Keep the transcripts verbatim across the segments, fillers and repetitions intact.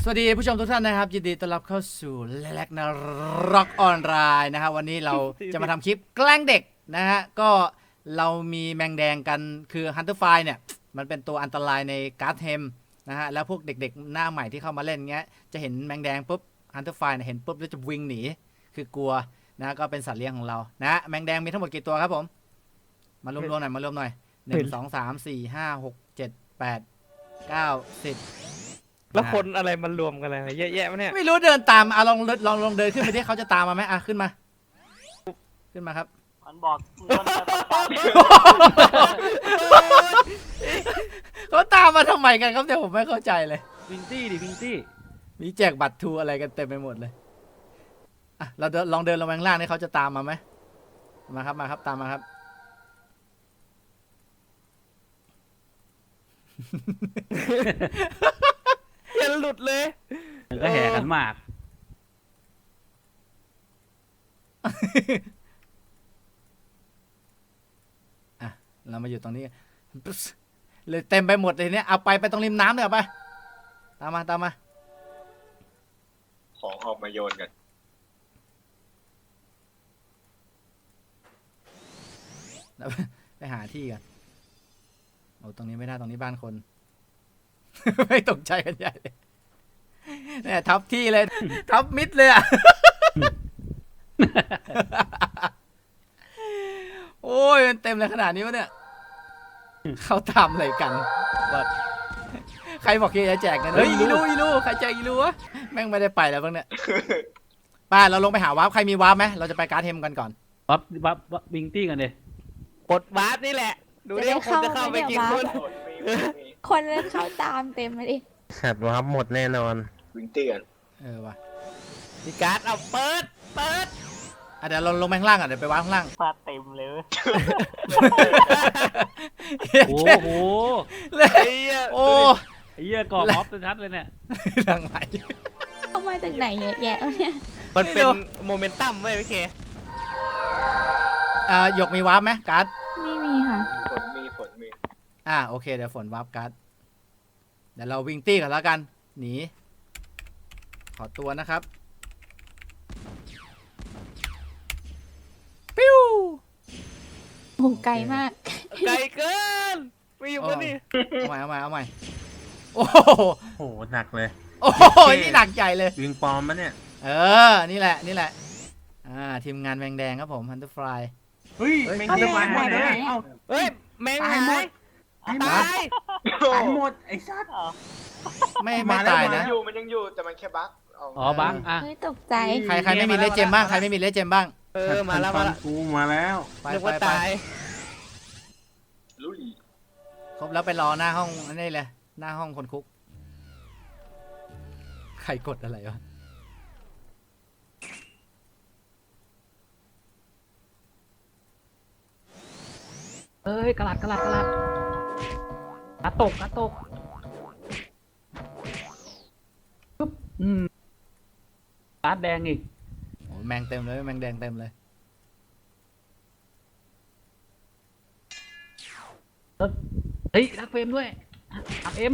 สวัสดีผู้ชมทุกท่านนะครับยินดีต้อนรับเข้าสู่แลกนาร็อกออนไลน์นะฮะวันนี้เราจะมาทำคลิปแกล้งเด็กนะฮะก็เรามีแมงแดงกันคือฮันเตอร์ไฟเนี่ยมันเป็นตัวอันตรายในการ์ดเทมนะฮะแล้วพวกเด็กๆหน้าใหม่ที่เข้ามาเล่นเงี้ยจะเห็นแมงแดงปุ๊บฮันเตอร์ไฟเห็นปุ๊บแล้วจะวิ่งหนีคือกลัวนะก็เป็นสัตว์เลี้ยงของเรานะแมงแดงมีทั้งหมดกี่ตัวครับผมมารวมๆหน่อยมารวมหน่อยหนึ่งสองสามสี่ห้าหกเจ็ดแปดเก้าสิบแล้วคนอะไรมันรวมกันอะไรเยอะแยะมั้ยเนี่ยไม่รู้เดินตามอ่ะลองลองลองเดินขึ้นไปดิเขาจะตามมาไหมอ่ะขึ้นมาขึ้นมาครับมันบอกเขาตามมาทำไมกันครับเดี๋ยวผมไม่เข้าใจเลยวิงตี้ดิวิงตี้มีแจกบัตรทูอะไรกันเต็มไปหมดเลยอ่ะเราลองเดินลงไปข้างล่างนี่เขาจะตามมาไหมมาครับมาครับตามมาครับอย่าหลุดเลยก็แห่ขันหมากอ่ะเรามาอยู่ตรงนี้เลยเต็มไปหมดเลยเนี่ยเอาไปไปตรงริมน้ำเลยเอาไปตามมาตามมาของออกมาโยนกันไปหาที่กันโอ้ตรงนี้ไม่ได้ตรงนี้บ้านคน ไม่ตกใจกันใหญ่เลยเนี่ยทับที่เลย ทับมิดเลยอ่ะ โอ้ยมันเต็มเลยขนาดนี้วะเนี่ยเขาทำอะไรกันใครบอกจะแจกกันเฮ้ยอีลูอีลูใครแจกอีลูวะแม่งไม่ได้ไปแล้วบ้างเนี่ยป้าเราลงไปหาวาร์ปใครมีวาร์ปไหมเราจะไปการ์ดเทมกันก่อนวับวับวับวิงตี้กันเลยกดวาร์ปนี่แหละดูดิว่าคนจะเข้าไปกี่คนคนนั้นเข้าตามเต็มเลยดิขัดวาร์ปหมดแน่นอนวิ่งเตือนเออว่ะมีการ์ดเอาเปิดเปิดอ่ะเดี๋ยวเราลงไปข้างล่างอ่ะเดี๋ยวไปวาร์ปข้างล่างมาเต็มเลยโอ้โหเลยโอ้ไอ้เหี้ยกรอบม็อบชัดเลยเนี่ยทางไหนเข้ามาจากไหนเยอะแยะเนี่ยมันเป็นโมเมนตัมเว้ยพี่เคอ่าหยกมีวาร์ปไหมการ์ดไม่มีค่ะฝนมีฝนมีอ่าโอเคเดี๋ยวฝนวาร์ปการ์ดเดี๋ยวเราวิ่งตี้กันแล้วกันหนีขอตัวนะครับปิ้วโอ้ไกลมากไกลเกินไม่อยู่กันนี่เอาใหม่เอาใหม่เอาใหม่โอ้โหหนักเลยโอ้ยนี่หนักใหญ่เลยวิงปอมมะเนี่ยเออนี่แหละนี่แหละอ่าทีมงานแมงแดงครับผมฮันเตอร์ฟลายเฮ้ยแมงจะมาหายเลยเฮ้ยแมงหายหมดตายตายหมดไอ้สัตว์ไม่ไม่ตายนะอยู่มันยังอยู่แต่มันแค่บั๊กอ๋อบั๊กอ่ะเฮ้ยตกใจใครใครไม่มีเลเจมบ้างใครไม่มีเลเจมบ้างเออมาแล้วมาแล้วกูมาแล้วไปไปไปลุยครบแล้วไปรอหน้าห้องนี่เลยหน้าห้องคนคุกใครกดอะไรวะเอ้ยกระลัดกระลัดกระลัดกระตกกระตกปุ๊บอืมการ์ดแดงอีกโอ้แมงเต็มเลยแมงแดงเต็มเลยเฮ้ยรักเฟรมด้วยอัพเอ็ม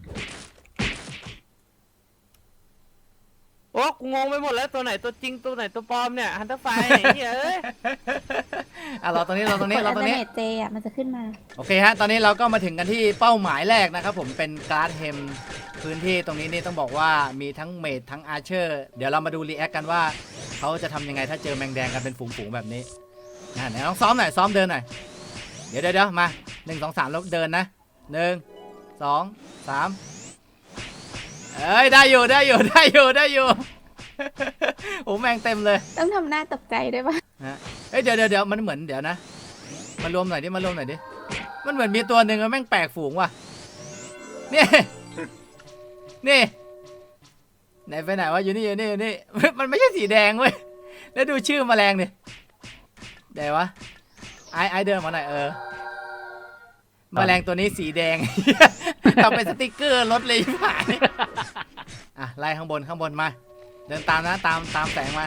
โอ้กูงงไปหมดแล้วตัวไหนตัวจริงตัวไหนตัวปลอมเนี่ยฮันเตอร์ไฟไหนเอ้ยอ่ะเราตรงนี้เราตรงนี้เราตรงนี้เจอ่ะมันจะขึ้นมาโอเคฮะตอนนี้เราก็มาถึงกันที่เป้าหมายแรกนะครับผมเป็นการ์ดเฮมพื้นที่ตรงนี้นี่ต้องบอกว่ามีทั้งเมดทั้งอาร์เชอร์เดี๋ยวเรามาดูรีแอคกันว่าเขาจะทำยังไงถ้าเจอแมงแดงกันเป็นฝูงๆแบบนี้นะไหนลองซ้อมหน่อยซ้อมเดินหน่อยเดี๋ยวเดี๋ยวมาหนึ่งสองสามแล้วเดินนะหนึ่งสองสามเอ้ยได้อยู่ได้อยู่ได้อยู่ได้อยู่โอ้แมงเต็มเลยต้องทำหน้าตกใจด้วยป่ะฮะเอ้ยเดี๋ยวเดี๋ยวเดี๋ยวมันเหมือนเดี๋ยวนะมารวมหน่อยดิมารวมหน่อยดิมันเหมือนมีตัวหนึ่งแม่งแปลกฝูงว่ะนี่นี่ไหนไปไหนวะอยู่นี่อยู่นี่อยู่นี่มันไม่ใช่สีแดงเว้ยแล้วดูชื่อแมลงดิเดี๋ยววะไอไอเดินมาหน่อยเออแมลงตัวนี้สีแดงทำเป็นสติ๊กเกอร์รถเลยผ่านอ่ะไล่ข้างบนข้างบนมาเดินตามนะตามตามแสงมา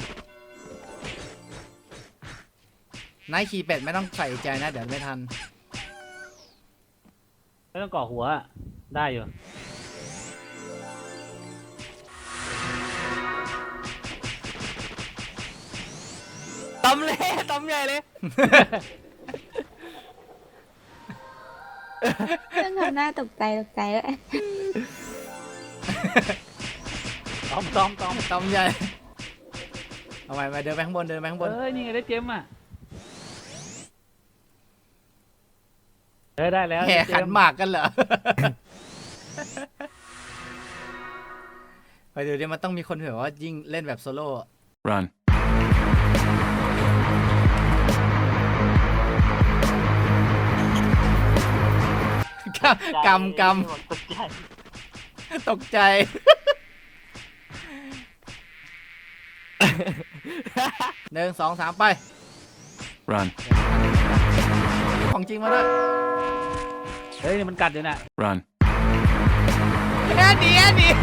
ไนท์ขี่เป็ดไม่ต้องใส่ใจนะเดี๋ยวไม่ทันไม่ต้องก่อหัวได้อยู่ตำเลยตำใหญ่เลยต้องทำหน้าตกใจตกใจแล้วตอมตอมตอมตอมใหญ่เอาไปไปเดินไปข้างบนเดินไปข้างบนเอ้ยนี่ไงได้เจมอ่ะเอ้ยได้แล้วแห่ได้เจขันมหมากกันเหรอ ไปดูดิมันต้องมีคนแบบว่ายิ่งเล่นแบบโซโล่ Run. กำกำตกใจตกใจ หนึ่งสองสามไป Run. ของจริงมาด้วยเฮ้ยนี่มันกัดอยู่น่ะ Run. แอดดีแอดดี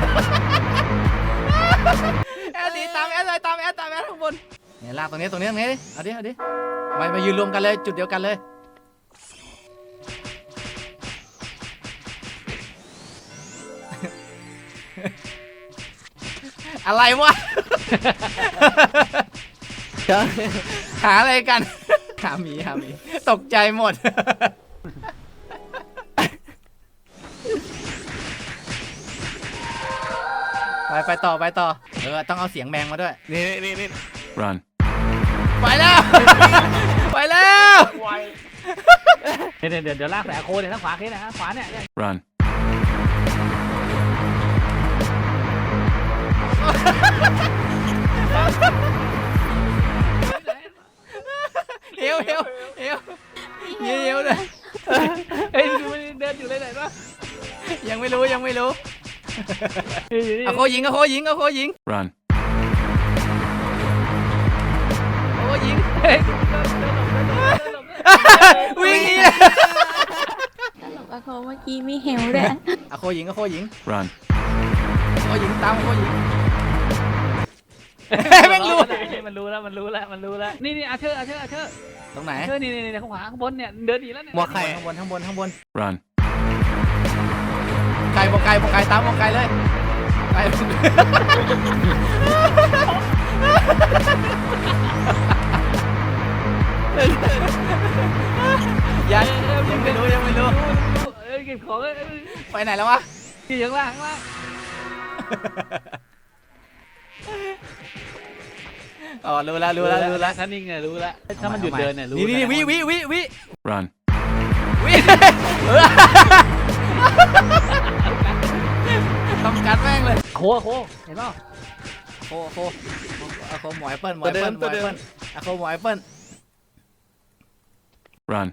แอดดีตามแอดเลยตามแอดตามแอดข้างบนเนี่ยลากตรงนี้ตรงนี้ตรงนี้ดิเอาดิเอาดิมามายืนรวมกันเลยจุดเดียวกันเลย อะไรวะ หาอะไรกัน หาหมีหาหมีตกใจหมด ไปไปต่อไปต่อ เออต้องเอาเสียงแมงมาด้วยนี่นี่นี่ Run. ไปแล้ว ไปแล้วไวเดี๋ยวเดี๋ยวเดี๋ยวลากใส่อาโคเนี่ยทางขวาแค่นะทางขวาเนี่ย Run. เอวเอวเอวเอวเอวเลยเฮ้ยดูมันเดินอยู่เลยไหนวะยังไม่รู้ยังไม่รู้อยู่นี่เอาโคยิงเอาโคยิงเอาโคยิง Run. เอาโคยิงเฮ้ยเดินเดินหลบเดินหลบเดินหลบวิ่งหนีตลกอะโคเมื่อกี้มีเฮลด้วยเอาโคยิงเอาโคยิง Run. เอาโคยิงตามเอาโคยิง แม่งรู้มันรู้แล้วมันรู้แล้วมันรู้แล้วนี่นี่อาเชอร์อาเชอร์อาเชอร์ตรงไหนอาเชอร์นี่นี่นี่ข้างขวาข้างบนเนี่ยเดินหนีแล้วเนี่ยหมวกไข่ข้างบนข้างบนข้างบน Run. ไก่บอกไก่บอกไก่ตามบอกไก่เลยไก่ ยังยังไม่รู้ยังไม่รู้เอ้ยเก็บของเอ้ยไปไหนแล้ววะอยู่ข้างล่างข้างล่างอ๋อรู้แล้วรู้แล้วรู้แล้วถ้านิ่งเนี่ยรู้แล้วถ้ามันหยุดเดินเนี่ยรู้นี่นี่วิวิวิวิ Run. วิเออต้องกัดแม่งเลยโคโคเห็นป่ะโคโคอะโคหมอยเปิ้ลหมอยเปิ้ลหมอยเปิ้ลอะโคหมอยเปิ้ล Run.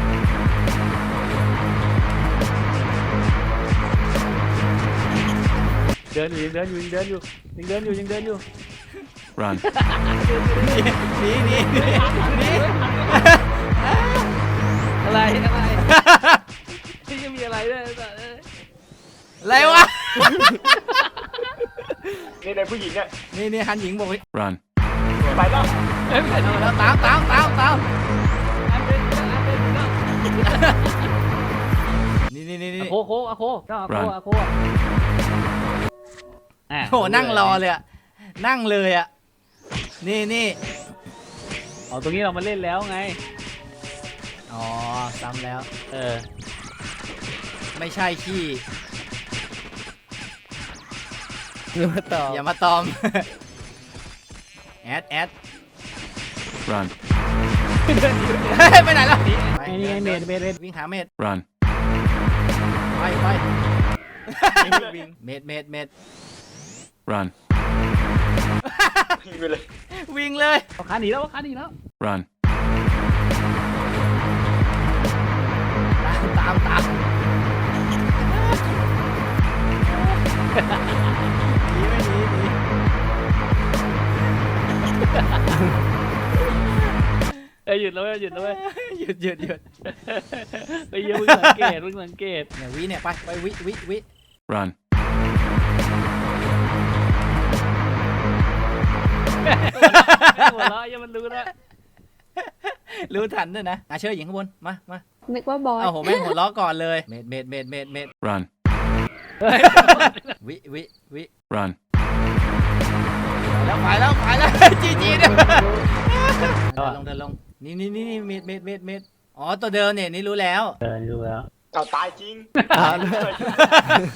เดินอยู่ยังเดินอยู่ยังเดินอยู่ยังเดินอยู่ยังเดินอยู่ Run. หนีหนีหนีหนีอะไรอะไรที่จะมีอะไรด้วยอะไรวะนี่ในผู้หญิงเนี่ยนี่นี่ฮันหญิงบอกว่า Run. ไปแล้วเอ้ยไม่ใช่เอาแล้วตามตามตามตามอันเดินอยู่แล้วอันเดินอยู่แล้วนี่นี่นี่นี่อะโคโคอะโคเจ้าอะโคอะโคอ่ะโหนั่งรอเลยอะนั่งเลยอะนี่นี่อ๋อตรงนี้เรามาเล่นแล้วไงอ๋อซ้ำแล้วเออไม่ใช่ขี้รู้ต่ออย่ามาตอม แอดแอด Run. เฮ้ยไปไหนแล้วไอ้นี่ไงเมดเมดเมดวิ่งหาเมด Run. ไปไปวิ่งเมดเมดเมด Run. ยิงไปเลยวิ่งเลยเอาขาหนีแล้วเอาขาหนีแล้ว Run. ตามตามตามหนีไม่หนีหนีเอ้ยหยุดแล้วเว้ยหยุดแล้วเว้ยหยุดหยุดหยุดไอ้เหี้ยมึงสังเกตมึงสังเกตเนี่ยวิเนี่ยไปไปวิวิวิ Run. หัวเราะยังมันรู้นะรู้ทันด้วยนะอาเชอร์หญิงข้างบนมามานึกว่าบอสเอาโหแม่งหัวล้อก่อนเลยเมดเมดเมดเมดเมด Run. วิวิวิ Run. ไปแล้วไปแล้วไปแล้ว จีจีเนี่ยเดินลงเดินลงนี่นี่นี่เมดเมดเมดเมดอ๋อตัวเดิมเนี่ยนี่รู้แล้วเอาตายจริง